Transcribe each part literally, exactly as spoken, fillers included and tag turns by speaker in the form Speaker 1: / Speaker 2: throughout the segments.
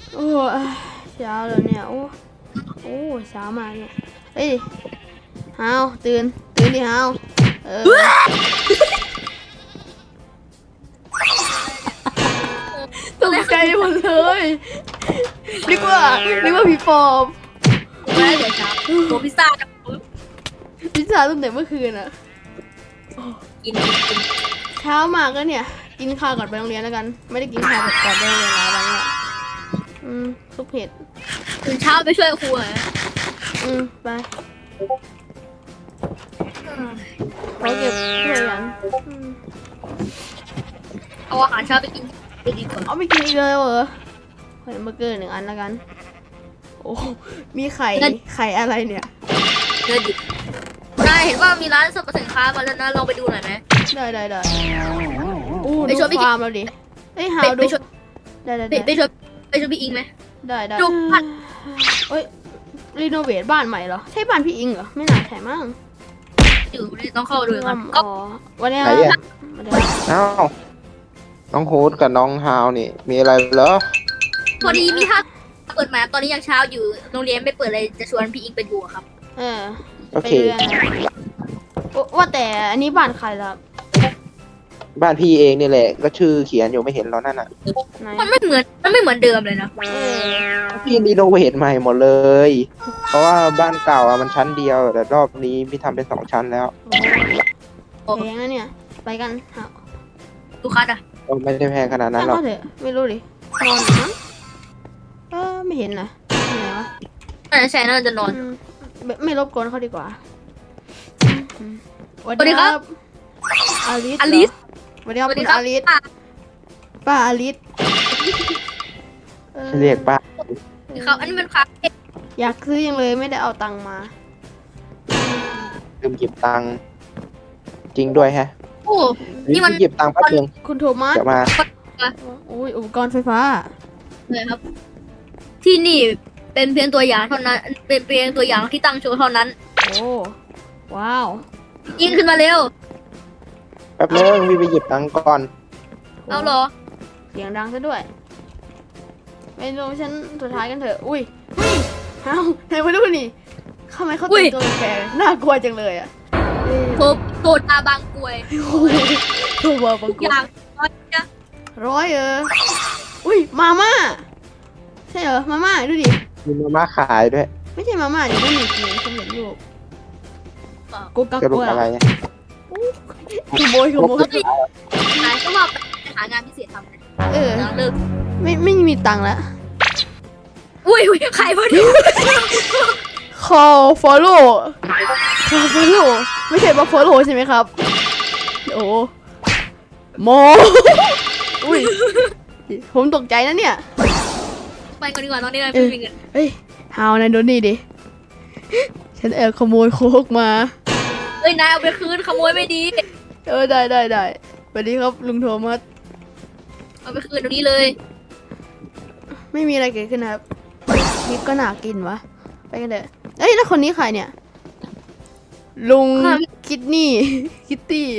Speaker 1: โอ้เช้าแล้วเนี่ยโอ้โอ้เช้ามากเนี่ยเฮ้ยฮาวตื่นตื่นดิฮาวเออตกใจหมดเลยนึกว่านึกว่าผีปอบ
Speaker 2: ไม่ได้เดี๋ยวเช้าตัวพิซซ่าจะ
Speaker 1: พิซซ่าตั้งแต่เมื่อคืนอะ
Speaker 2: กินกิน
Speaker 1: เช้ามากแล้วเนี่ยกินข้าวก่อนไปโรงเรียนแล้วกันไม่ได้กินข้าวก่อนไปโรงเรียนหลายวันแล้วอืมซุปเห็ด
Speaker 2: ตื่นเช้าไปช่วยครูเหรอ
Speaker 1: อืมไปขอเก็บถ้วยกัน
Speaker 2: เอาอาหารเช้าไปกินไปดีกว่า
Speaker 1: เอาไปกินอีกเลยเหรอขอเบอร์เกอร์หนึ่งอันแล้วกันโอ้มีไข่ไข่อะไรเนี่ย
Speaker 2: เนื้อดิบนายเห็นว่ามีร้านสรรพสินค้ามาแล้วนะลองไปดูหน่อยไหม
Speaker 1: ได้ได้ได้อู้ไปชวนพี่ฟาร์มเราดิเฮ้ยหาดูได้ได้
Speaker 2: ไปชวนไปชวนพี่อิงไหม
Speaker 1: ได้ได้เฮ้ยรีโนเวทบ้านใหม่เหรอใช่บ้านพี่อิงเหรอไม่น่าใช่มั้ง
Speaker 2: อยู่ต้องเข้าดูกัน
Speaker 1: ก็วันนี้
Speaker 3: เอ้าน้องโฮสกับน้องฮาวนี่มีอะไรเหรอ
Speaker 2: พอดีมีท่าเปิดมาตอนนี้ยังเช้าอยู่โรงเรียนไม่เปิดเลยจะชวนพี่อิงไปดูครับ
Speaker 1: เออโอเคว่าแต่อันนี้บ้านใครล่ะ
Speaker 3: บ้านพี่เองนี่แหละก็ชื่อเขียนอยู่ไม่เห็นแล้วนั่นน่ะ
Speaker 2: มันไม่เหมือนมันไม่เหมือนเดิมเลยนะ
Speaker 3: พี่รีโนเวทใหม่หมดเลยเพราะว่าบ้านเก่าอ่ะมันชั้นเดียวแต่รอบนี้พี่ทำเป็นสองชั้นแล้ว
Speaker 1: แพงนะเนี่ยไปกัน
Speaker 2: ลูกค้าอ่ะ
Speaker 3: ไม่ได้แพงขนาดนั้นหรอก
Speaker 1: ไม่รู้ดินอนนะเออไม่เห็นนะไหนวะ
Speaker 2: น่าจะใช่น่าจะนอน
Speaker 1: ไม่รบกวนเขาดีกว่าสวัสดีครับอลิสอลิสสวัสดีครับคุณอลิสป้าอลิส
Speaker 3: เรียกป้า
Speaker 2: เขาอันนี้มันครับ
Speaker 1: อยากซื้อยังเลยไม่ได้เอาตังค์มา
Speaker 3: ลืมหยิบตังค์จริงด้วยฮะ
Speaker 2: โอ้นี่มัน
Speaker 3: หยิบตังค์แป๊บนึง
Speaker 1: คุณโทมัส
Speaker 3: จะมา
Speaker 1: อุ้ยอุปกรณ์ไฟฟ้า
Speaker 2: เลยครับที่นี่เป็นเพียงตัวอย่างเท่านั้นเป็นเพียงตัวอย่างที่ตั้งโชว์เท่านั้น
Speaker 1: โอ้ว้าว
Speaker 2: ยิงขึ้นมาเร็ว
Speaker 3: แป๊บนึงวีไปหยิบตังค์ก่อน
Speaker 2: เอาเหรอ
Speaker 1: เสียงดังซะด้วยไปลงชั้นสุดท้ายกันเถอะอุ้ยอุ้ยเอ้าไหนมาดูนี่ทำไมเขาแต่งตัวแปลกน่ากลัวจังเลยอ่ะ
Speaker 2: โทโทตาบางกวย
Speaker 1: โทบาบางกวย
Speaker 2: อย่างร้อยนะ
Speaker 1: ร้อยเอออุ้ยมาม่าใช่เหรอมาม่าดูดิ
Speaker 3: มีมาม่าขายด้วย
Speaker 1: ไม่ใช่มาม่าดิไม่มีกินสำเร็จรูปกูกัก
Speaker 3: กูอะไร
Speaker 1: ขโมยขโมย
Speaker 2: นายก็ว่าไปหางานพิเศษทำเลย
Speaker 1: เออเลิกไม่ไม่มีตังค์แล้ว
Speaker 2: อุ้ยอุ้ยใครพอดี
Speaker 1: call follow call follow ไม่ใช่มา follow ใช่ไหมครับโอ้โมอุ้ยผมตกใจนะเนี่ย
Speaker 2: ไปก่อนดีกว่าตอนนี้นายไม่มีเงิน
Speaker 1: เฮ้ยฮาวนายโดนนี่ดิฉันแอบขโมยโค้กมา
Speaker 2: เอ้ยนายเอาไปคืนขโมยไม่ดี
Speaker 1: เออได้ได้ได้สวัสดีครับลุงโทมัส
Speaker 2: เอาไปคืนตรงนี้เลย
Speaker 1: ไม่มีอะไรเกิดขึ้นนะครับคลิปก็น่ากินวะไปกันเถอะเอ้ยแล้วคนนี้ใครเนี่ยลุงคิดนี่คิตตี้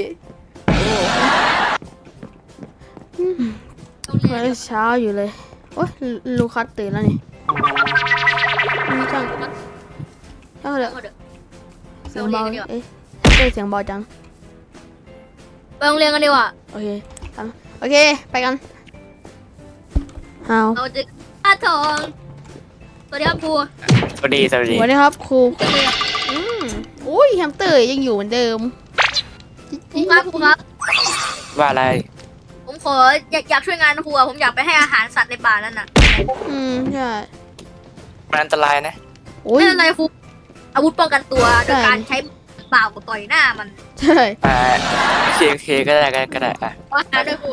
Speaker 1: เช้าอยู่เลยโอ้ยลูคัสตื่นแล้วนี่จังจังเลยเสียงเบาเอ๊ะเสียงเบาจัง
Speaker 2: ไปโรงเรียนกันดีกว่า
Speaker 1: โอเคทำโอเคไปกันฮาว
Speaker 2: เราจะอาทองสวัสดีครับครู
Speaker 4: สวัสดีสวัสดี
Speaker 1: สวัสดีครับครูอืมอุ้ยแฮมสเตอร์ยังอยู่เหมือนเดิม
Speaker 2: ครูครับครูครับ
Speaker 4: ว่าอะไร
Speaker 2: ผมขออยากอยากช่วยงานครูผมอยากไปให้อาหารสัตว์ในป่านั่นน่ะ
Speaker 1: อืมใช่
Speaker 4: มันอันตรายนะ
Speaker 2: ไม่เป็นไรครูอาวุธป้องกันตัวโดยการใช้เปล่าต่อยหน้ามัน
Speaker 1: ใช่
Speaker 4: อ่าเคเคก็ได้ก็ได้อ่ะ
Speaker 2: ว่าด้วยครู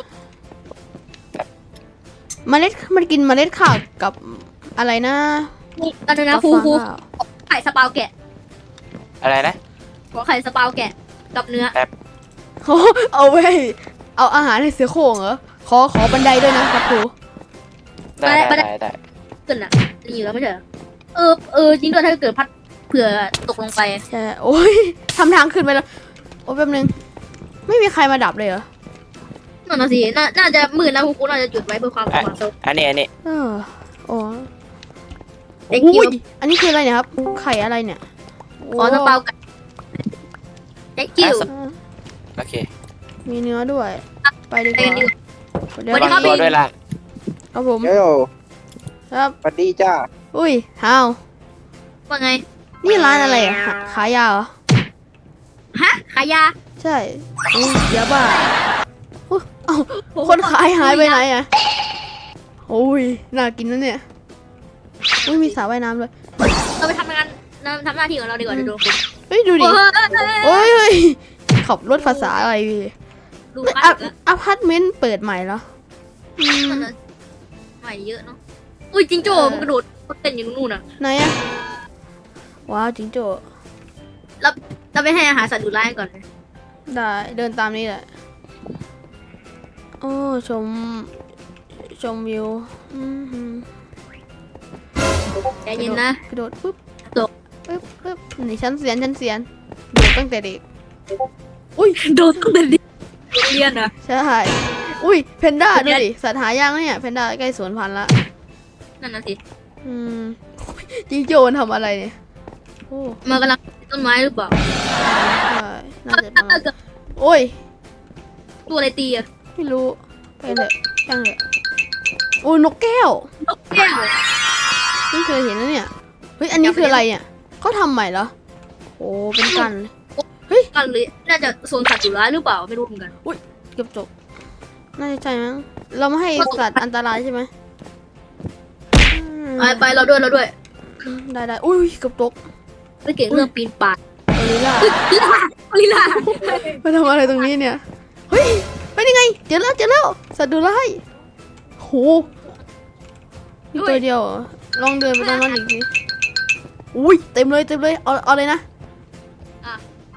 Speaker 1: เมล็ดมันกินเมล็ดข้าวกับอะไรนะ
Speaker 2: อันนี้นะครูครูไข่สปาวแกะ
Speaker 4: อะไรนะ
Speaker 2: ขอไข่สปาวแกะกับเนื้อ
Speaker 4: แบบ
Speaker 1: เอาไว้เอาอาหารให้เสือโคร่งเหรอขอขอบันไดด้วยนะครับครู
Speaker 4: ได้ได้ได้
Speaker 2: ขึ้นอ่ะนี่อยู่แล้วไม่ใช่เออเออจริงด้วยถ้าเกิดพัดเผื่อตกลงไป
Speaker 1: ใช่โอ้ยทำทางขึ้นไปแล้วโอ้แป๊บนึงไม่มีใครมาดับเลยเหรอ
Speaker 2: นั่นน่ะสิน่าน่าจะมืดนะครูครูน่าจะจุดไว้เพื่อความสว่างสวย
Speaker 4: อันนี้อันนี้
Speaker 1: เออโอ้
Speaker 2: เด็ก
Speaker 1: โอ้
Speaker 2: จิ๋วย
Speaker 1: อันนี้คืออะไรเนี่ยครับ ไข่อะไรเนี่ย
Speaker 2: ขอสเปากันเด็กจิ๋ว
Speaker 1: อ่า
Speaker 4: โอเค
Speaker 1: มีเนื้อด้วย ไปดีก
Speaker 2: ไป
Speaker 1: ว่า
Speaker 2: กันดีกว่า
Speaker 1: เดี๋ยว
Speaker 2: สวัสดี
Speaker 4: วาง
Speaker 2: ครับ
Speaker 4: ตัวด้วยล่ะ
Speaker 1: ครับผม
Speaker 3: เฮ้ย
Speaker 1: ครับ
Speaker 3: สวัสดีจ้า
Speaker 1: อุ้ยฮาว
Speaker 2: ว่าไง
Speaker 1: นี่ร้านอะไรอ่ะหาขายยาเหรอ
Speaker 2: ฮะขายยา
Speaker 1: ใช่อุ้ยเดี๋ยวบ้าอุ๊ยเอ้าคนขายหายไปไหนอ่ะโอ้ยน่ากินนะเนี่ยอุ้ยมีสระว่ายน้ำด้วย
Speaker 2: เราไปทำงานทำหน้าที่ของเราดีกว่าเดี๋ยวโดนคุณ
Speaker 1: เฮ้ยดูดิ
Speaker 2: โอ้ย
Speaker 1: โอ้ยเฮ้ยขับรถภาษาอะไรพี่
Speaker 2: ดู
Speaker 1: เอ้ย
Speaker 2: คั
Speaker 1: อะ
Speaker 2: ดแล้ว
Speaker 1: อพาร์ตเมนต์เปิดใหม่เหรออืม
Speaker 2: ใหม่เยอะเนาะอุ้ยจิงโจ้มันกระโดดเต้นอยู่นู่นน่ะ
Speaker 1: ไหนอะว้าวจิงโจ้
Speaker 2: เราไปให้อาหารสัตว์ดุร้ายก่อน
Speaker 1: ได้เดินตามนี้แหละโอ้ชมชมวิวอืมหืม
Speaker 2: ใจเย็นนะ
Speaker 1: กระโดดปุ๊บ
Speaker 2: โดด
Speaker 1: ปุ๊บปุ๊บนี่ชั้นเสียนชั้นเสียนโดดตั้งแต่เด็กอุ้ย
Speaker 2: โดดตั้งแต่เด็กเรียนอ่ะ
Speaker 1: ใช่อุ้ยเพนด้าดูดิสัตว์หายากนะเนี่ยเพนด้าใกล้สูญพันธุ์ละ
Speaker 2: นั่นน่ะสิ
Speaker 1: อืมจิงโจ้มันทำอะไรเนี่ยโอ้
Speaker 2: มันกำลังต้นไม้หรือเปล่า
Speaker 1: ใช่น่าจะประมาณโอ้ย
Speaker 2: ตัวอะไรตีอ่ะ
Speaker 1: ไม่รู้ไปเลยช่างเลยโอ้ยนกแก้วน
Speaker 2: กแก้ว
Speaker 1: เพิ่งเคยเห็นนะเนี่ยเฮ้ยอันนี้คืออะไรเนี่ยเขาทำใหม่เหรอโอ้เป็นกันเลย
Speaker 2: กันเลยน่าจะโซนสัตว์ดุร้ายหรือเปล่าไม่รู้เหมือนกัน
Speaker 1: เกือบจบน่าจะใช่มั้งเราไม่ให้สัตว์อันตรายใช่ไหมอืม
Speaker 2: ไปไปเราด้วยเราด้วย
Speaker 1: ได้ได้อุ้ยเกือบตก
Speaker 2: ไม่เก่งเรื่องปีนป่าย
Speaker 1: กอริลลา
Speaker 2: ลีลาลีลา
Speaker 1: มาทำอะไรตรงนี้เนี่ยเฮ้ยไปยังไงเจอแล้วเจอแล้วสัตว์ดุร้ายโหมีตัวเดียวเหรอลองเดินไปตรงนั้นอีกทีอุ้ยเต็มเลยเต็มเลยเอาเอาเลยนะ
Speaker 2: อ่ะ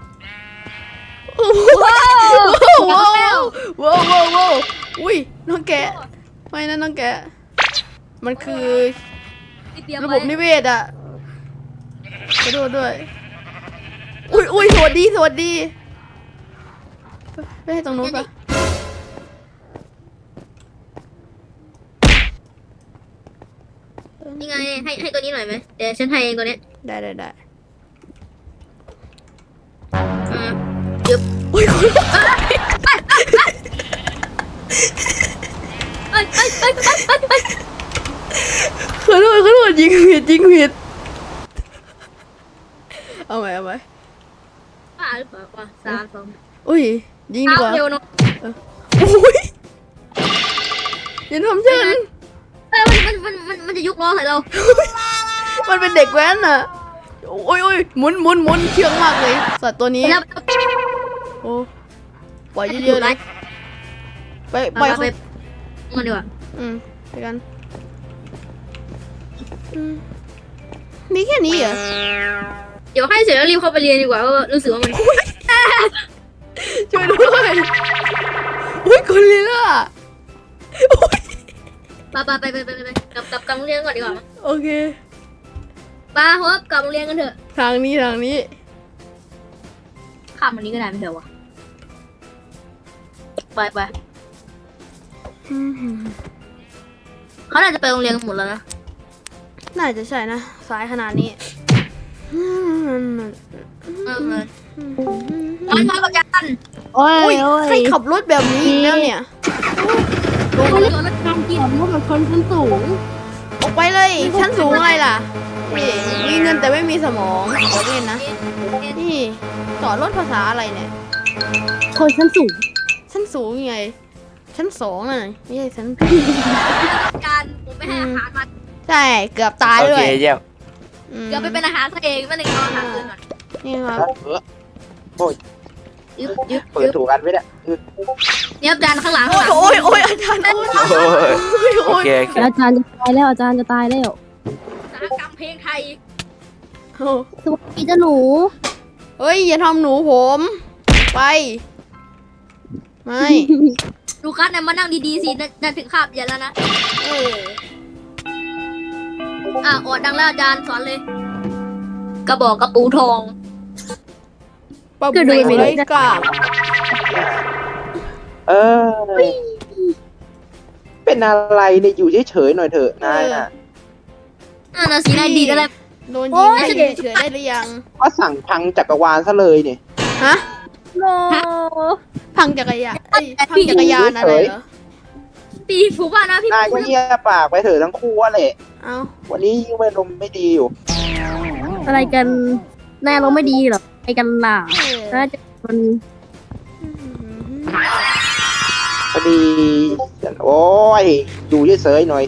Speaker 1: ว้าว
Speaker 2: ว้า
Speaker 1: ว้าว วว้าวว้าวว้าวอุ้ยน้องแกะไม่นะน้องแกะมันคือ
Speaker 2: เตรียม
Speaker 1: ระบ
Speaker 2: ไว้
Speaker 1: บนิเวศอะกระโดดด้วย อุ้ยอุ้ยสวัสดี สวัสดีไปให้ตรงนู้นปะ
Speaker 2: นี่ไงให้ให้ตัวนี้หน่อยไหมเดี๋ยวฉันให้เองตัวเนี้ย
Speaker 1: ได้ได้ได้
Speaker 2: อ่า
Speaker 1: อุ้ยคน
Speaker 2: เอ้ยเอ้ยเอ้ยเอ้ยเอ้ยเอ้ย
Speaker 1: ขอโทษขอโทษยิงผิดยิงผิดเอาไหมเอาไหม
Speaker 2: บ้าหรือเปล่าวะสามสอง
Speaker 1: อุ้ยยิงดีกว่า
Speaker 2: เร็วเนาะ
Speaker 1: อุ้ยอย่าทำฉัน
Speaker 2: เอ้ยมันมันมันมันจะยุกล้อใส่เรา
Speaker 1: มันเป็นเด็กแว้นอะโอ้ยโอ้ยหมุนหมุนหมุนเชื่องมากเลยสัตว์ตัวนี้
Speaker 2: แล้ว
Speaker 1: โอ้ปล่อยเยอะๆเลยไปป
Speaker 2: ไป
Speaker 1: ล่อย
Speaker 2: ไป
Speaker 1: เขา
Speaker 2: มันดีกว่า
Speaker 1: อืมไปกันอืมมีแค่นี้เหรอ
Speaker 2: เดี๋ยวให้เสร็จแล้วรีบเข้าไปเรียนดีกว่าเพราะว่ารู้สึกว่ามัน
Speaker 1: ช่วยด้วยอุ้ยคนลีล่ะ
Speaker 2: ไปไปไปไปไปไปกลับกลับกลับโรงเรียนก่อนดีกว่ามั้ง
Speaker 1: โอเค
Speaker 2: ป้าฮบกลับโรงเรียนกันเถอะ
Speaker 1: ทางนี้ทางนี้
Speaker 2: ข้ามวันนี้ก็ได้ไม่เดี๋ยววะไปไป
Speaker 1: อืม
Speaker 2: เขาน่าจะไปโรงเรียนกันหมดแล้วนะ
Speaker 1: น่าจะใช่นะสายขนาดนี้อืม
Speaker 2: เออเออมันมากับยัน
Speaker 5: โอ้
Speaker 1: อุ้
Speaker 5: ย
Speaker 1: ย
Speaker 5: โอ้ย
Speaker 1: ใครขับรถแบบนี้อีกแล้วเนี่ย
Speaker 2: ลงมาเลยรถการกิน
Speaker 5: ขับรถแบบคนชั้นสูง
Speaker 1: ออกไปเลยชั้นสูงอะไรล่ะนี่มีเงินแต่ไม่มีสมองเดี๋ยวเล่นนะนี่จอดรถภาษาอะไรเนี่ย
Speaker 5: คนชั้นสูง
Speaker 1: ชั้นสูงยังไงชั้นสองน่ะไม่ใช่ชั้น
Speaker 2: การผมไม่ให้อาหารมัน
Speaker 1: ใช่เกือบตาย
Speaker 4: โอ
Speaker 1: ด้ว
Speaker 4: เค
Speaker 1: ย
Speaker 4: เยี่ยม
Speaker 1: อืม
Speaker 2: เดี๋ยวไปเป็นอาหารตัวเองไม่ได้เอาอาหารอื่นก่อน
Speaker 1: นี่ครับ
Speaker 3: เออ
Speaker 2: ยึบยึบ
Speaker 3: เปิดถูกกันไหมเนี่ยเออ
Speaker 2: เนี่ยจานข้างหลังข้างหลัง
Speaker 1: โอ้ยโอ้ยอาจารย์โอ้ย
Speaker 4: โอ้ย
Speaker 1: โอ้
Speaker 4: โอย เคโอเค
Speaker 5: อาจารย์จะตายแล้วอาจารย์จะตายแล้ว
Speaker 2: อุตสาหกรรมเพลงไทย
Speaker 1: โอ้
Speaker 5: สวัสดีเจ้าหนู
Speaker 1: เฮ้ยอย่าทำหนูผม ไปไม่
Speaker 2: ดูคัสเนี่ยมานั่งดีๆสินั่นถึงคาบเย็นแล้วนะ
Speaker 1: เออ
Speaker 2: อ่ะออดดังแล้วอาจารย์สอนเลย กระบอกกระปูทอง
Speaker 1: ปะบุยไรกาบ
Speaker 3: เออ เป็นอะไรเนี่ยอยู่เฉยๆหน่อยเถอะนายน่ะ
Speaker 2: อ่านาสีนายดีดอะไร
Speaker 1: โดน
Speaker 2: โอ้
Speaker 1: ยิง
Speaker 2: ย
Speaker 1: ได้เฉยๆได้หรือยัง
Speaker 3: ก็สั่งพังจักรวาลซะเลยเนี่ย
Speaker 1: ฮะ
Speaker 2: โน
Speaker 1: พังจักรยานเอ้ยพังจักรยานอะไรเหรอ
Speaker 2: ปีฟูบ้านะพี่
Speaker 3: นายก็เงียบปากไปเถอะทั้งคู่ว่าแหละ
Speaker 1: เอ้า
Speaker 3: วันนี้ยิ่งไม่ลมไม่ดีอยู่
Speaker 5: อะไรกันแน่เราไม่ดีหรอไอ้กันล่ะ
Speaker 1: เออ
Speaker 5: น่าจะมัน
Speaker 3: พอดี โอ้ยอยู่เฉยๆหน่อย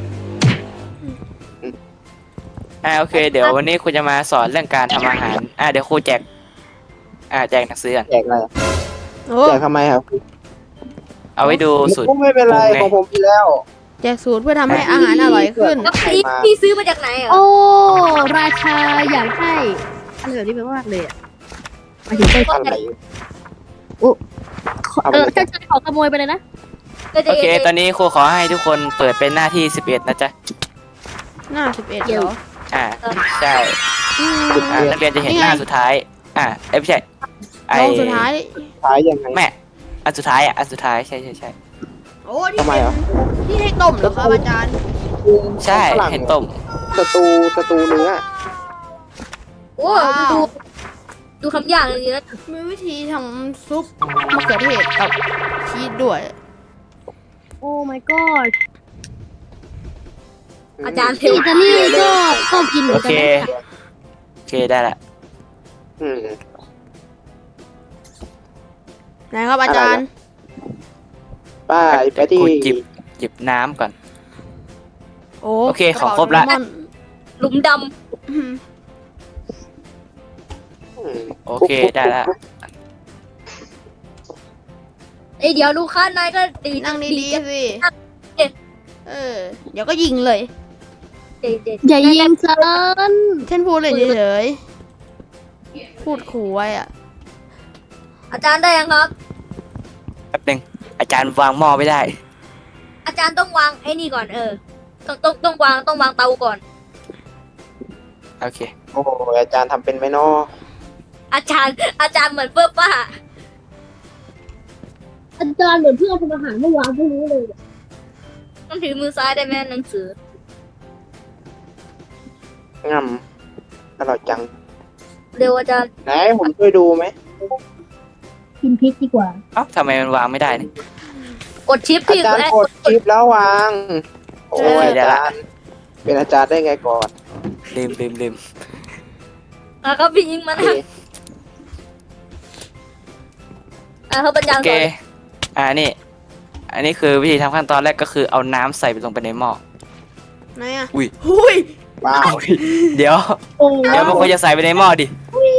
Speaker 4: อ่าโอเค เดี๋ยววันนี้ครูจะมาสอนเรื่องการทำอาหารอ่าเดี๋ยวครูแจกอ่าแจกหนังสือกัน
Speaker 3: แจกอะไรอะ
Speaker 1: โอ้
Speaker 3: แจกทำไมครับ
Speaker 4: เอาไว้ดูสูตร
Speaker 3: ไม่เป็นไร
Speaker 4: ปรุงไง
Speaker 3: ของผมมีแล้ว
Speaker 1: แจกสูตรเพื่อทำให้อาหารอร่อยขึ้น
Speaker 2: แล้วพี่พี่ซื้อมาจากไหนเหรอ
Speaker 5: โอ้ราชาอยากให้อะไรแบบนี้เป็นมากเลยอ่ะหมายถึงไป
Speaker 3: อะไร เอาไป
Speaker 5: เออ
Speaker 3: เลย
Speaker 5: ใช่ใช่ขอขโมยไปเลยนะ
Speaker 4: โอเค ตอนนี้ครูขอให้ทุกคนเปิดเป็นหน้าที่สิบเอ็ดนะจ๊ะ
Speaker 1: หน้าสิบเอ็ดเหรอ
Speaker 4: อ่าใช่
Speaker 1: อืม
Speaker 4: อ่านักเรียนจะเห็นหน้าสุดท้าย อ่าเอ้ยไม่ใช่ไอ
Speaker 1: ลงสุดท้าย
Speaker 3: ขายยังไง
Speaker 4: แม่อันสุดท้ายอ่ะอันสุดท้ายใช่ใช่ใช่
Speaker 1: โอ้ที่
Speaker 3: ทำไม
Speaker 1: เป็น
Speaker 3: อ่ะ
Speaker 1: ที่ให้ต้มเหรอครับอาจารย์
Speaker 4: ใช่
Speaker 3: ฝรั่ง
Speaker 4: เห็นต้ม
Speaker 3: สตูสตูเนื้อ
Speaker 2: โอ้ดูดูคำอย่างเลยนะ
Speaker 1: มีวิธีทำซุปมะเขือเทศกับชีสด้วย
Speaker 5: โอ้ my god
Speaker 2: อาจารย์เท
Speaker 5: ที่
Speaker 2: ว
Speaker 5: อิตาลีก็ก็กินเหมื
Speaker 4: โอ
Speaker 5: อนกั
Speaker 4: เคน
Speaker 5: นะ
Speaker 4: โอเคได้ละ
Speaker 3: อืม
Speaker 1: ไหนครับอาจารย์
Speaker 3: ป้าไปที่
Speaker 4: กูจิบจิบน้ำก่อน
Speaker 1: โอ้
Speaker 4: โอเคของครบละ
Speaker 1: กเป๋าโดเรมอน
Speaker 2: หลุมด
Speaker 1: อืม
Speaker 3: อืม
Speaker 4: โอเคได้ละ
Speaker 2: ำเอ้ยเดี๋ยวดูค่านายก็ดี
Speaker 1: นั่งดีๆสิ
Speaker 2: เอ๊ะ
Speaker 1: เออ เดี๋ยวก็ยิงเลย
Speaker 2: เด็ดเด็ด
Speaker 5: อย่ายิงฉัน
Speaker 1: เช่นพูดเลยเฉยๆพูดขู่ไว้อะ
Speaker 2: อาจารย์ได้ยังครับ
Speaker 4: แป๊บหนึงอาจารย์วางหม้อไม่ได้
Speaker 2: อาจารย์ต้องวางไอ้นี่ก่อนเออ ต้องต้องต้องวางต้องวางเตาก่อน
Speaker 4: โอเค
Speaker 3: โอ้โหอาจารย์ทำเป็นไหมเนาะ
Speaker 2: อาจารย์อาจารย์เหมือนเปิ้ลป้า
Speaker 5: อาจารย์เหมือนเพื่อนทำอาหารเมื่อวานไม่รู้เลย
Speaker 2: ต้องถือมือซ้ายได้ไหมหนังสือ
Speaker 3: งำอร่อยจัง
Speaker 2: เร็วอาจารย์
Speaker 3: ไหนผมช่วยดูไหม
Speaker 5: กินพริกดีกว่า
Speaker 4: เอ้าทำไมมันวางไม่ได้นี่
Speaker 2: กดชิป
Speaker 3: อา
Speaker 2: พี่
Speaker 3: จารย์
Speaker 2: เอ้ย
Speaker 3: กดคลิปแล้ววาง โอ้ย
Speaker 4: ได้
Speaker 3: อา
Speaker 4: ละ
Speaker 3: จารย์ เป็นอาจารย์ได้ไงก่อน
Speaker 4: ลืมลืมลืม
Speaker 2: อ่ะครับพี่ยิงมัน
Speaker 3: โอเค
Speaker 2: นะอ่ะครับอาจาร
Speaker 4: โอ
Speaker 2: ย์
Speaker 4: เค
Speaker 2: ก่อน
Speaker 4: อ่านี่ อันนี้คือวิธีทำขั้นตอนแรกก็คือเอาน้ำใส่ไปลงไปในหม้อ
Speaker 1: ไหนอะ
Speaker 4: อุ้ย
Speaker 1: หุ้ย
Speaker 3: ว้าว
Speaker 4: เดี๋ยว
Speaker 5: โอ้
Speaker 4: เดี๋ยวมันควรจะใส่ไปในหม้อดิ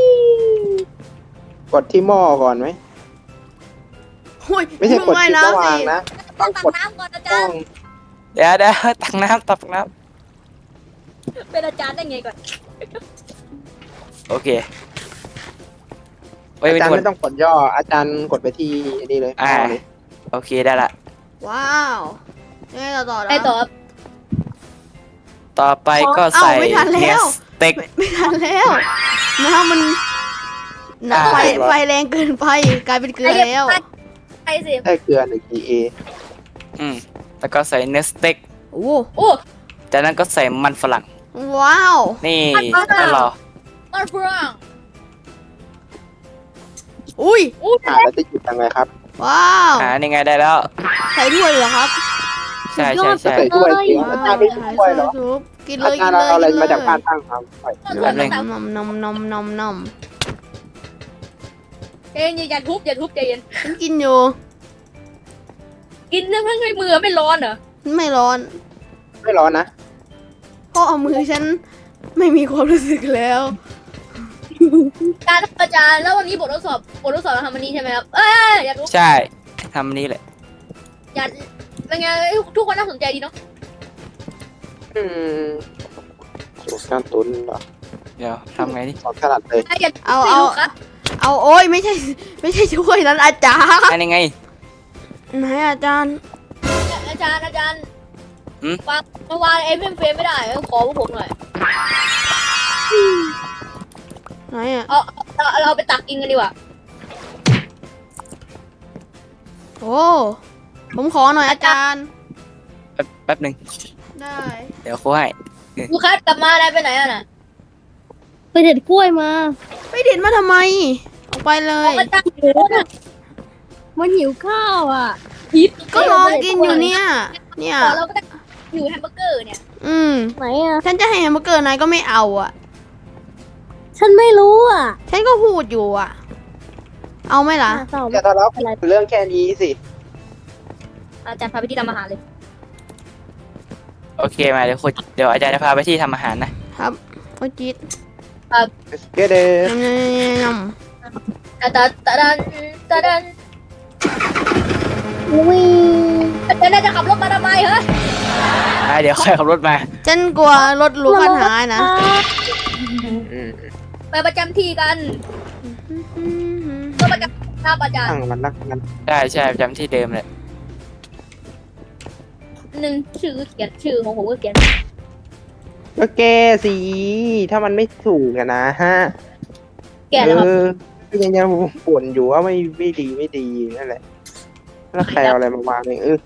Speaker 3: กดที่หม้อก่อนไหม
Speaker 1: หุ้ย
Speaker 3: ไม่ใช่กด
Speaker 1: ว่าย
Speaker 3: คลิปแล้ว
Speaker 1: น้ำ
Speaker 3: วา
Speaker 1: สิ
Speaker 3: งนะ
Speaker 2: ต้องตักน้ำก่อนอา
Speaker 3: ต้
Speaker 2: จา
Speaker 3: อ
Speaker 2: รง ย์
Speaker 4: เดี๋ยวเดี๋ยวตักน้ำตักน้
Speaker 2: เป็นอาจารย์ได้ไงก่อน
Speaker 4: ำโอเคไว้
Speaker 3: อา
Speaker 4: เป็น
Speaker 3: จารย์
Speaker 4: คน
Speaker 3: ไม่ต้องกดย่อ อาจารย์กดไปที่นี่เลย
Speaker 4: อ่า
Speaker 3: หม้อเลย
Speaker 4: โอเคได้ละ
Speaker 1: ว้าวยังไงต่อต่อนะ
Speaker 2: ไปต่อครับ
Speaker 4: ต่อไปก็
Speaker 1: เอ้า
Speaker 4: ใส่
Speaker 1: ไม่ทันแล้ว
Speaker 4: เนื้อสเต็ก
Speaker 1: ไม่ไม่ทันแล้วน้ำมันน้ำไฟ
Speaker 4: อ่า
Speaker 1: ไฟแรงเกินไปกลายเป็นเกลือแล้ว
Speaker 2: ไปสิ
Speaker 3: ได้เกลือหนึ่ง ดี เอ
Speaker 4: อืมแล้วก็ใส่เนื้อสเต็ก
Speaker 1: โอ้
Speaker 2: โอ้
Speaker 4: จากนั้นก็ใส่มันฝรั่ง
Speaker 1: ว้าว
Speaker 4: นี่
Speaker 2: มันฝรั่ง
Speaker 4: ก็รอ
Speaker 2: มันฝรั่ง
Speaker 1: อุ้ย
Speaker 2: อู้
Speaker 3: อ่าแล้วจะหยุดยังไงครับ
Speaker 1: ว้าว
Speaker 4: อ่านี่ไงได้แล้ว
Speaker 1: ใส่ถ้วยเหรอครับ
Speaker 4: ใช่ใช่ใช่
Speaker 3: ใส่ถ้วยจริง
Speaker 1: ว้าว
Speaker 3: อาจารย์ไม่ช่วยเหรอ
Speaker 1: ซุปกินเล
Speaker 3: อาย จา
Speaker 1: กิ
Speaker 3: ร
Speaker 1: น
Speaker 3: ย์
Speaker 1: เลย
Speaker 3: เอาอะไร
Speaker 1: กิน
Speaker 3: มาจาก
Speaker 1: เลย
Speaker 3: บ้านตั้งครับไป
Speaker 4: แป๊บนึง
Speaker 1: นมนมนมนมนม
Speaker 2: เย็นอย่าทุบอย่าทุบใจเย็น
Speaker 1: ฉันกินอยู่
Speaker 2: กินเนื่องให้มือไม่ร้อนเหรอ
Speaker 1: ไม่ร้อน
Speaker 3: ไม่ร้อนนะ
Speaker 1: เพราะเอามือฉันไม่มีความรู้สึกแล้ว
Speaker 2: การอาจารย์แล้ววันนี้บททดสอบบททดสอบเราทำวันนี้ใช่ไหมครับ เอ้ยอยากรู้
Speaker 4: ใช่ทำนี้แหละ
Speaker 2: อยากเป็นไงทุกคนน่าสนใจดีเนาะ
Speaker 3: อืมสูตรการตุนเหรอ
Speaker 4: เดี๋ยวทำไงนี่
Speaker 3: สอนถนัดเลย
Speaker 2: อยาก
Speaker 1: เอา
Speaker 2: ไม่
Speaker 1: เอา
Speaker 2: รู้ครับ
Speaker 1: เอาโอ้ยไม่ใช่ ไม่ใช่ถ้วยนั้นอาจารย์
Speaker 4: อันนี้ไง
Speaker 1: ไหนอาจารย์
Speaker 2: อาจารย์อาจารย์
Speaker 4: หืม
Speaker 2: วางมาวางเอ็มเอ็มเฟรมไม่ได้ขอพวกผมหน่อย
Speaker 1: ไหนอ่ะ
Speaker 2: เอาเอาเอาเราไปตักกินกันดีกว่า
Speaker 1: โอ้ผมขอหน่อยอาจารย์
Speaker 4: แป๊บแป๊บหนึ่ง
Speaker 1: ได้
Speaker 4: เดี๋ยวครูให้
Speaker 2: ลูคัสกลับมานายไปไหนอ่ะน่ะ
Speaker 5: ไปเด็ดกล้วยมา
Speaker 1: ไปเด็ดมาทำไมออกไปเล
Speaker 2: ออย กมาจากโน้นอ่ะ
Speaker 5: มันหิวข้าวอ่ะ
Speaker 2: ยิบ
Speaker 1: ก็รอกินอยู่เนี่ย เนี่ย
Speaker 2: ขอเราก็ได้อยู่แฮมเบอร์เกอร์เนี่ย
Speaker 1: อืม
Speaker 5: ไหนอ่ะ
Speaker 1: ฉันจะให้แฮมเบอร์เกอร์นายก็ไม่เอาอ่ะ
Speaker 5: ฉันไม่รู้อ่ะ
Speaker 1: ฉันก็พูดอยู่อ่ะ เอาไหมล่ะ
Speaker 5: ตอบ
Speaker 3: อย่าทะเลาะกันเรื่องแค่นี้สิ
Speaker 2: อาจารย์พาไปที่ทำอาหารเลย
Speaker 4: โอเคมาเดี๋ยวครูเดี๋ยวอาจารย์จะพาไปที่ทำอาหารนะครับ
Speaker 1: โอ้จี๊ด
Speaker 3: เกเด
Speaker 1: ยำยำยำ
Speaker 2: ตาตาตาดันตาดัน
Speaker 5: วิ่ง
Speaker 2: อาจารย์น่าจะขับรถมาทำไมเหรอ
Speaker 4: อ่าเดี๋ยวค่อยขับรถมา
Speaker 1: ฉันกลัวรถหรูปัญหานะ
Speaker 3: อืม
Speaker 2: ไปประจำที่กันก็ประจำหน้าอาจารย์
Speaker 3: ตั้งมันรักกัน
Speaker 4: ได้ใช่ประจำที่เดิมเลย
Speaker 2: หนึ่งชื่อเขียนชื่อของผมก็เขียน
Speaker 3: ก็แก้สิถ้ามันไม่ถูกอะนะฮะ
Speaker 2: แก่แล้วครับ
Speaker 3: เออก็ยังยังบ่นอยู่ว่าไม่ไม่ดีไม่ดีนั่นแหละแล้วใครเอาอะไรมาวางเองเออ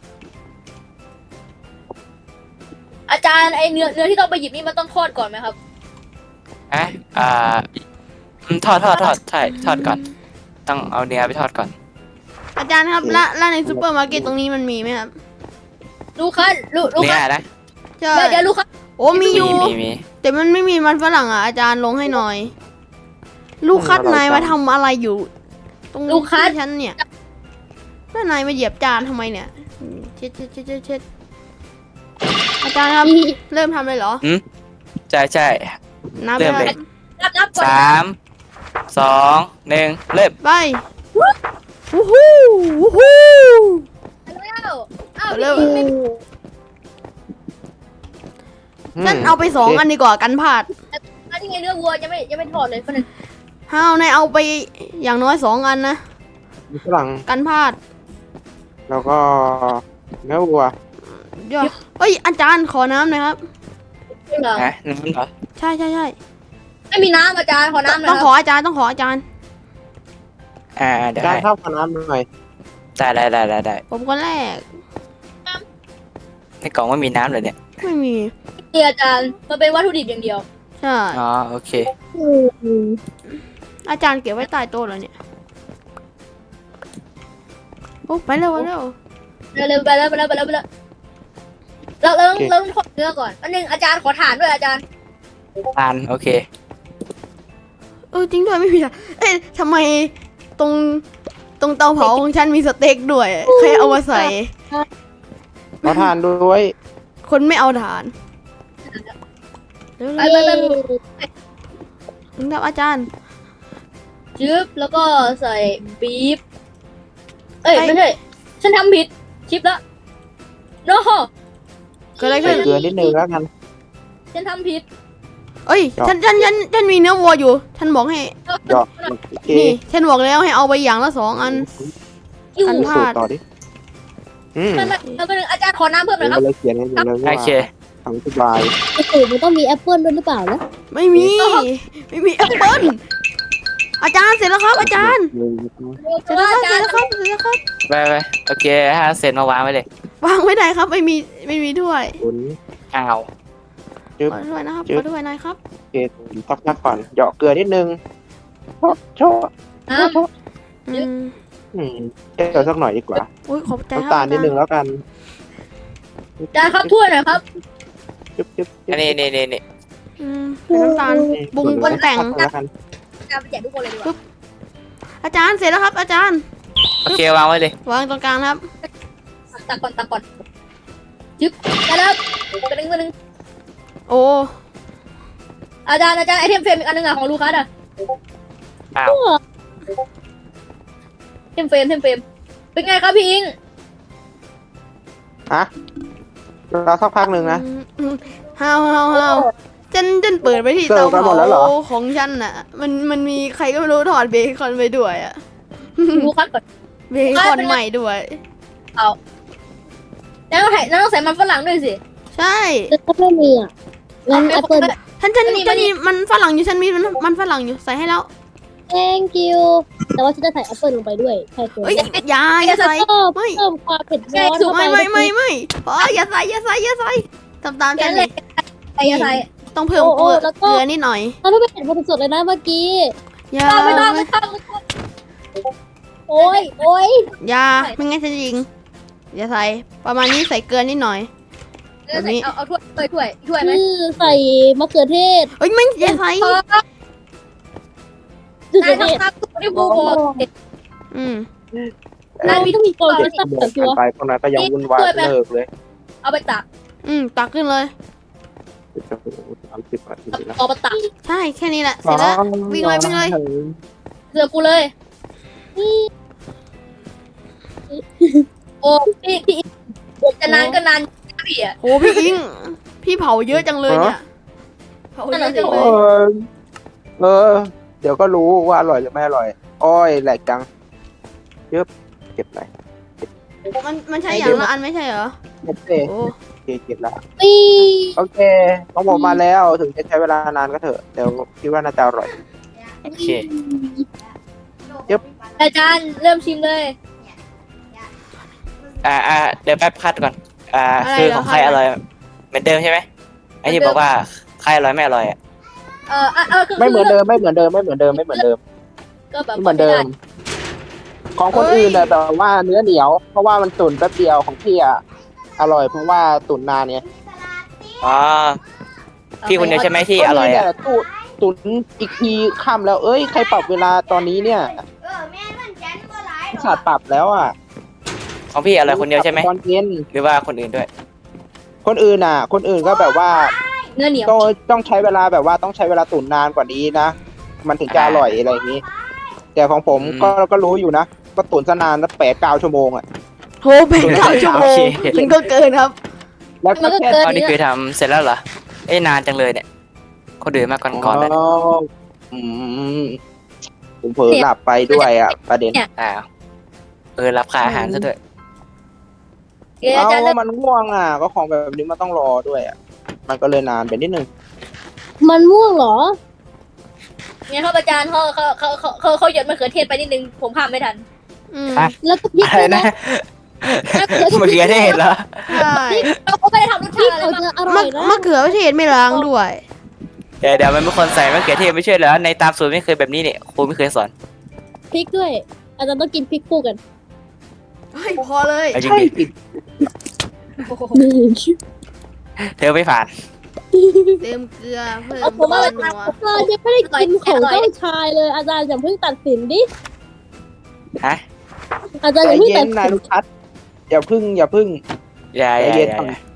Speaker 2: อาจารย์ไอเนื้อเนื้อที่ต้องไปหยิบนี่มันต้องทอดก่อนไหมครับ
Speaker 4: อ่ะอ่าอืมทอดทอดทอดใช่ทอดก่อน ต้องเอาเนื้อไปทอดก่อน
Speaker 1: อาจารย์ครับและและในซูเปอร์มาร์เก็ตตรงนี้มันมีไหมครับ
Speaker 2: ลูกคัสลูกลูก
Speaker 4: เนื้
Speaker 2: คั
Speaker 4: อ
Speaker 2: ส
Speaker 4: นะ
Speaker 1: ใช่
Speaker 2: เดี๋ยวเดี๋ยวลูกคัส
Speaker 1: โอ้มีอ
Speaker 4: มี
Speaker 1: ยู่
Speaker 4: มีมี
Speaker 1: แต่มันไม่มีมันฝรั่งอ่ะอาจารย์ลงให้หน่อย ลูกคัดนายมาทำอะไรอยู่ ตรงที่ฉันเนี่ยแล้วนายมาเหยียบจานทำไมเนี่ยอืมเช็ดเช็ดเช็ดเช็ดเช็ดอาจารย์ครับ เริ่มทำเลยเหรอ
Speaker 4: ใช่ใช่
Speaker 1: นับ
Speaker 4: เริ่ม
Speaker 1: ไป
Speaker 4: เลย
Speaker 2: นับนับก่อน
Speaker 4: สามสองหนึ่งเริ่ม
Speaker 1: ไปวู้ฮู้วู้ฮู้
Speaker 2: แล้วอ้าว
Speaker 1: เริ่ม
Speaker 2: ไม่ไม่
Speaker 1: ฉันเอาไปสองอันดีกว่ากันพลาด
Speaker 2: อันนี้ไงเนื้อวัวยังไม่ยังไม่ทอดเลยคนนึง
Speaker 1: ห้าวนายเอาไปอย่างน้อยสองอันนะ
Speaker 3: มีฝรั่ง
Speaker 1: กันพลาด
Speaker 3: แล้วก็เนื้อวัว
Speaker 1: เดี๋ยวเอ้ยอาจารย์ขอน้ำหน่อยครับ
Speaker 2: จริงเหรอ
Speaker 4: นะน้ำเหรอ
Speaker 1: ใช่ใช่ใช่
Speaker 2: ไม่มีน้ำอาจารย์ขอน้ำหน่
Speaker 1: ต้
Speaker 2: อ
Speaker 1: อย ง
Speaker 2: ค
Speaker 1: ข
Speaker 2: รับ
Speaker 1: ออาจารย์ต้องขออาจารย์
Speaker 4: อ่าเดี๋ยว
Speaker 3: จาน
Speaker 4: ให้
Speaker 3: ข้าวกับน้ำหน่อย
Speaker 4: ได้ได้ได้ได้ได้
Speaker 1: ผมคนแรก
Speaker 4: ในกล่องไม่มีน้ำเลยเนี่ย
Speaker 1: ไม่มี
Speaker 2: นี่อาจารย์มันเป็นวัตถุดิบอย่างเดียว
Speaker 1: ใช่
Speaker 4: อ๋อโอเค
Speaker 1: อาจารย์เก็บไว้ใต้โต๊ะเลยเนี่ยโอ้ไปเร็วไปเร็ว
Speaker 2: เร็วเร็วไปแล้วไปแล้วไปแล้วไปแล้วเราเราต้องเราต้องทอดเนื้อก่อนอันนึงอาจารย์ขอฐานด้วยอาจารย์
Speaker 4: ทานโอเค
Speaker 1: เออจริงด้วยไม่มีอะเอ๊ะทำไมตรงตรงเตาเผาของฉันมีสเต็กด้วยใครเอามาใส่
Speaker 3: ขอทานด้วย
Speaker 1: คนไม่เอาฐานเร็ว
Speaker 2: ไป
Speaker 1: เร็ว
Speaker 2: ไปไป
Speaker 1: ถึงแล้วอาจารย์
Speaker 2: จึ๊บแล้วก็ใส่ปี๊บเอ้ยไม่ใช่ฉันทำผิดชิปแล้วโน้
Speaker 1: เกิดอะไร
Speaker 3: ใส่
Speaker 1: ขึ้น
Speaker 3: เกลือนิดนึงแล้วกัน
Speaker 2: ฉันทำผิด
Speaker 1: เอ้ยฉันฉันฉันฉันมีเนื้อวัวอยู่ ฉันบอกให้
Speaker 3: หยอกโอเค
Speaker 1: นี่ฉันบอกแล้วให้เอาไปอย่างละสองอัน
Speaker 2: อยู่
Speaker 1: อัน
Speaker 3: สูตรต่อดิอืม
Speaker 2: ไม่ไม่ไม่ไม่อาจารย์ขอน้ำเพิ่มหน่อยครับ
Speaker 3: เลยเขียนกันอยู่เลย
Speaker 4: โอ
Speaker 3: ว่า
Speaker 4: เค
Speaker 3: ทำสบาย
Speaker 5: สูตรมันต้องมีแอปเปิลด้วยหรือเปล่านะ
Speaker 1: ไม่มี ไม่มีแอปเปิ้ลอาจารย์เสร็จแล้วครับ อาจารย์ เสร็จแล้วครับ
Speaker 2: อา
Speaker 1: เส
Speaker 2: จา
Speaker 1: ร็
Speaker 2: ร
Speaker 1: จ
Speaker 2: ย์
Speaker 1: แล้วครับเสร็จแล้วครับ
Speaker 4: ไปไปโอเคถ้าเสร็จมาวางไว้เลยว
Speaker 1: างไว้ไหนครับ ไม่มีไม่มีถ้วย
Speaker 3: คุณ
Speaker 4: อ้าว
Speaker 3: จึ๊บ
Speaker 1: ขอถ้วยนะครับ
Speaker 3: จึ๊
Speaker 1: ข
Speaker 3: บ
Speaker 1: อถ้วยหน่อยครับ
Speaker 3: โอเคพักพักก่อนเหยาะเกลือนิดนึงโชะโชะ
Speaker 2: น้
Speaker 3: โชะ
Speaker 1: อืม
Speaker 3: อืมเกลือสักหน่อยดีกว่า
Speaker 1: อุ้ยขอบใจครับ
Speaker 3: น้ำตาลนิดนึงแล้วกัน
Speaker 2: ำอาจารย์ครับถ้วยหน่อยครับ
Speaker 3: จึ๊บจึ๊บจึ๊
Speaker 4: อั
Speaker 3: บ
Speaker 4: นนี้นี่นี่นี่
Speaker 1: อืมเป็นน้ำตาล ปรุงปรุงแต่ง
Speaker 3: แล้วกัน
Speaker 2: อาจารย์ไปแจกทุกคนเลยดีกว่า
Speaker 1: อาจารย์เสร็จแล้วครับ อาจารย์
Speaker 4: โอเควางไว้เลยว
Speaker 1: างตรงกลางครับ
Speaker 2: ตักก่อนตักก่อนจึ๊บได้แล้วกระดึงกระดึง
Speaker 1: โอ้
Speaker 2: อาจารย์อาจารย์ไอเทมเฟรมอีกอันนึงอะของลูคัสอะ
Speaker 4: อ้าว
Speaker 2: เทมเฟรมเทมเฟรมเป็นไงครับพี่อิง
Speaker 3: ฮะรอสักพักหนึ่งนะ
Speaker 1: อืมฮาวฮาวฮาวฉันฉันเปิดไปที่
Speaker 3: เสิ
Speaker 1: เตา
Speaker 3: ร์ฟกันหม
Speaker 1: เผา
Speaker 3: ดแล้วเหรอ
Speaker 1: ของฉันน่ะ มันมันมีใครก็ไม่รู้ถอดเบคอนไปด้วยอะ
Speaker 2: ลูคัสก่อน
Speaker 1: เบคอนใหม่ด้วย
Speaker 2: แล้วต้องใส่แล้วต้องใส่มันฝรั่งด้วยสิ
Speaker 1: ใช่
Speaker 5: แต่ก็ไม่มีอ่ะงั้นแอปเปิล
Speaker 1: ฉันฉัน
Speaker 2: อันนี้
Speaker 1: ฉัน
Speaker 2: มัน
Speaker 1: มีมันฝรั่งอยู่ฉันมีมันมันฝรั่งอยู่ใส่ให้แล้ว
Speaker 5: thank you แต่ว่าฉันจะใส่แอปเปิลลงไปด้วยใช่ตัว
Speaker 1: เอ้ยอย่าอย่าใส่
Speaker 5: เพิ่ม
Speaker 1: ไม่
Speaker 5: เพิ่มความเผ็ดร้อนเข้าไป
Speaker 1: ไม่ไม่ไม่ไม่พออย่าใส่อย่าใส่อย่าใส่ทำตามฉัน
Speaker 2: เล
Speaker 1: ดิ
Speaker 2: ยไอ้ยาไทย
Speaker 1: ต้องเพิ่ม
Speaker 5: โอ้
Speaker 1: เก
Speaker 5: โอ้
Speaker 1: ลือ
Speaker 5: แล้วก็
Speaker 1: เกลือนิดหน่อย
Speaker 5: เราไม่เห็นคนสดเลยนะเมื่อกี้
Speaker 1: อย่า
Speaker 2: ไม่ต้องไม่ต้องไม่ต้อง
Speaker 5: โอ้ยโอ้ย
Speaker 1: อย่าไม่งั้นจะยิงอย่าใส่ประมาณนี้ใส่เกลือนิดหน่อย แบบนี้
Speaker 2: เอาเอาถ้วยถ้วยถ้วยถ้วยไหม
Speaker 5: คือใส่มะเขือเทศ
Speaker 1: เอ้ยไม่อย่าใส่
Speaker 2: พอ
Speaker 5: มะเขือ
Speaker 2: นาย
Speaker 5: เทศ
Speaker 2: ทำตามที่ครูบอก
Speaker 1: อืม
Speaker 2: นายมี
Speaker 5: ต้องมีโปร
Speaker 3: เด็
Speaker 5: ตี
Speaker 3: ก
Speaker 5: น
Speaker 3: บอก
Speaker 5: ตั
Speaker 3: กัน
Speaker 5: ว
Speaker 3: ไปพวกนั้นก็ยังวุ่นวายเลิกเลย
Speaker 2: เอาไปตัก
Speaker 1: อืมตักขึ้นเลย
Speaker 3: โอ้โหสามสิบนาทีแล้ว
Speaker 2: เอาไปตัก
Speaker 1: ใช่แค่นี้แหละเสร็จแล้ว วิ่งเลยวิ่งเลย
Speaker 2: เสือกูเลย โอ้พี่พี่จะนานก็นานพี่อ่ะ
Speaker 1: โหพี่อิงพี่เผาเยอะจังเลยเนี่ยเผาเยอะจัง
Speaker 3: เอ
Speaker 1: เลย
Speaker 3: อเออ เดี๋ยวก็รู้ว่าอร่อยหรือไม่อร่อย อ้อยแหลกจังเยอะเก็บไหน
Speaker 1: มันมันใช่อย่างละอันไม่ใช่เหรอ
Speaker 3: โอเค
Speaker 1: โอ้
Speaker 3: โอเคเก็บละ
Speaker 5: ปี
Speaker 3: โอเคของผมมาแล้วถึงจะใช้เวลานานก็เถอะเดี๋ยวคิดว่าน่าจะอร่อย
Speaker 4: โอเค
Speaker 2: อาจารย์เริ่มชิมเลย
Speaker 4: อ่าอ่าเดี๋ยวแป๊บคัดก่อนอ่าคือของใครอร่อยเหมือนเดิมใช่ไหมไอ้ที่บอกว่าใครอร่อยไม่อร่อยอ่ะ
Speaker 2: เออเออคือ
Speaker 3: ไม่เหมือนเดิมไม่เหมือนเดิมไม่เหมือนเดิมไม่เหมือนเดิม
Speaker 2: ก็แบบ
Speaker 3: ไม่เหมือนเดิม ของคนอื่นน่ะแบบว่าเนื้อเหนียว เพราะว่ามันตุ๋นแป๊บเดียวของพี่อะอร่อยเพราะว่าตุ๋นนานเนี่ย
Speaker 4: อ๋อพี่คนเดียวใช่ไหมที่อร่อยอ่ะ
Speaker 3: ก็นี่แหละตุ๋นตุ๋นอีกทีค่ำแล้ว เอ้ยใครปรับเวลาตอนนี้เนี่ยขาดปรับแล้วอ่ะ
Speaker 4: ของพี่อร่อยคนเดียวใช่ไหม
Speaker 3: ตอนเย็น
Speaker 4: หรือว่าคนอื่นด้วย
Speaker 3: คนอื่นอ่ะ คนอื่นก็แบบว่า
Speaker 2: เนื้อเหนียว
Speaker 3: ต้องต้องใช้เวลาแบบว่าต้องใช้เวลาตุ๋นนานกว่านี้นะ มันถึงจะอร่อยอะไรอย่างนี้ แต่ของผม
Speaker 4: อืม
Speaker 3: ก็ก็รู้อยู่นะ ก็ตุ๋นซะนานแล้วแปดเก้าชั่วโมงอ่ะ
Speaker 1: โหเป็นเก้าชั่วโมงมันก็เกินครับ
Speaker 3: แล้วก็แค่
Speaker 4: ตอนนี้คือทำเสร็จแล้วเหรอเอ้ยนานจังเลยเนี่ยคนอื่นมาก่อนก่อนๆเลย
Speaker 3: อ๋ออืมผมเผลอหลับไปด้วยอ่ะ ประเด็น
Speaker 4: อ้าวเออรับค่าอาหารซะด้วย
Speaker 2: เอออาจารย์
Speaker 3: เอา
Speaker 2: เริ่ม
Speaker 3: มันง่วงอ่ะ ก็ของแบบนี้มันต้องรอด้วยอ่ะ มันก็เลยนานไปนิดนึง
Speaker 5: มันม่วงเหรอ
Speaker 2: เนี่ยครับอาจารย์เขาเขาเขาเขาเขาเขาหยดมะเขือเทศไปนิดนึงผมข้ามไม่ทัน
Speaker 1: อืม
Speaker 4: อ่ะ
Speaker 5: แล้วก็พริก
Speaker 4: อะไร
Speaker 5: ด้วย
Speaker 4: นะ
Speaker 5: นะ
Speaker 4: เมื่อกี้ได้เห็นแล้ว
Speaker 1: ใช่
Speaker 2: เขาไม่ได้ทำรส
Speaker 5: พริ
Speaker 2: ชาก ติอะไร
Speaker 5: เขา
Speaker 2: มาก
Speaker 5: จะอร่อยนะ
Speaker 1: มะมะเขือเทศไม่ล้างด้วย
Speaker 4: เดี๋ยวเดี๋ยวมันเป็นคนใส่มะเขือเทศไม่ใช่เหรอในตามสูตรไม่เคยแบบนี้เนี่ยครูไม่เคยสอน
Speaker 5: พริกด้วย อาจารย์ต้องกินพริกคู่กัน
Speaker 1: เฮ้ยพอเลย
Speaker 4: เอาจริง
Speaker 3: ใช่
Speaker 4: ดิ
Speaker 3: ติด
Speaker 5: นี่
Speaker 4: เธอไม่ผ่าน
Speaker 1: เติมเกลือเพิ่ม
Speaker 2: เอาผมว่า
Speaker 1: นัว
Speaker 5: อาจารย์ยังไม่ได้กินของเจ้าชายเลย อาจารย์อย่าเพิ่งตัดสินดิ
Speaker 4: ฮะ
Speaker 5: อาจารย์
Speaker 3: ใจ
Speaker 5: อย่าเพิ่ง
Speaker 3: เย็
Speaker 5: ตั
Speaker 3: น
Speaker 5: ด
Speaker 3: นาย
Speaker 5: สิน
Speaker 3: ลูกชัดอย่าพึ่ง อย่าพึ่ง
Speaker 4: อย่าอย่า
Speaker 3: ใจเย็น
Speaker 4: อย่าอย่า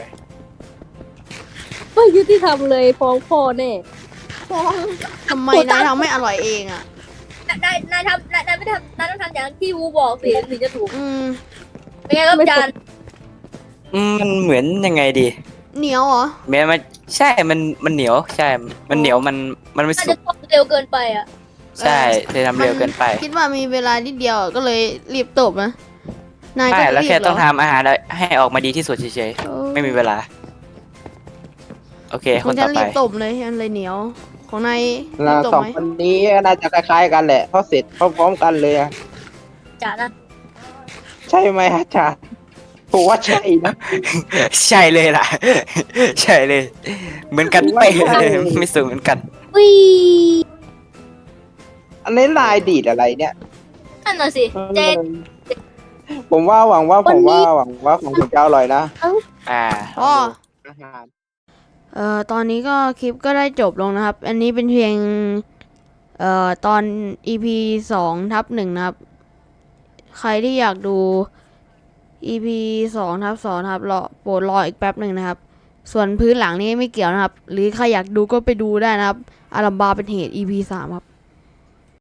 Speaker 5: ไม่ยุติธรรมเลยฟ้องพ่อแน่
Speaker 1: ทำไมนายทำไม่อร่อยเองอ่ะ
Speaker 2: นายนายทำนายนายไม่ทำนายต้องทำอย่างที่วูบอกสิถึงจะถูก
Speaker 1: อืม
Speaker 2: เป็นไงครับอาจารย์
Speaker 4: อืมมันเหมือนยังไงดี
Speaker 1: เหนียวเหรอ
Speaker 4: แม้มันใช่มันมันเหนียวใช่ มันเหนียวมันมันไม่
Speaker 2: น่า
Speaker 4: สุ
Speaker 2: จะ
Speaker 4: ก
Speaker 2: ทำเร็วเกินไปอ่ะ
Speaker 4: ใช่เธอทำเร็วเกินไป
Speaker 1: คิดว่ามีเวลานิดเดียวก็เลยรีบตบนะนายก็
Speaker 4: ใช่แล้ว
Speaker 1: รีบ
Speaker 4: แค่
Speaker 1: เหร
Speaker 4: ต้องทำอาหารให้ออกมาดีที่สุดเฉย
Speaker 1: โอ้
Speaker 4: ๆไม่มีเวลา โอเค
Speaker 1: ข
Speaker 4: ค
Speaker 1: อง
Speaker 4: น
Speaker 1: ฉั
Speaker 4: ต่อน ไป
Speaker 1: รีบตบเลยมันเลยเหนียว ของนายรี
Speaker 3: เรา
Speaker 1: บตบ
Speaker 3: สอง
Speaker 1: ไหม
Speaker 3: คนนี้น่าจะคล้ายๆกันแหละ เพราะเสร็จพร้อมๆกันเลยอะ
Speaker 2: อาจารย์นะ
Speaker 3: ใช่ไหมอาจารย์ผมว่าใช่นะ
Speaker 4: ใช่เลยล่ะ ใช่เลย เหมือนกันไปะเลยไม่สูงเหมือนกัน
Speaker 5: วิ
Speaker 3: อันนี้ลายดีดอะไรเนี่ย
Speaker 2: นั่นน่ะสิเจน
Speaker 3: ผมว่าหวังว่าผมว่าหวังว่าของผมจะอร่อยนะ
Speaker 4: อ่า
Speaker 1: อ๋อ
Speaker 3: อาหาร
Speaker 1: เอ่อตอนนี้ก็คลิปก็ได้จบลงนะครับ อันนี้เป็นเพียงเอ่อตอน อี พี สองทับหนึ่งนะครับ ใครที่อยากดู อี พี สองทับสองนะครับรอโปรดรออีกแป๊บหนึ่งนะครับ ส่วนพื้นหลังนี้ไม่เกี่ยวนะครับ หรือใครอยากดูก็ไปดูได้นะครับ อารัมบาเป็นเหตุ อี พี สามครับ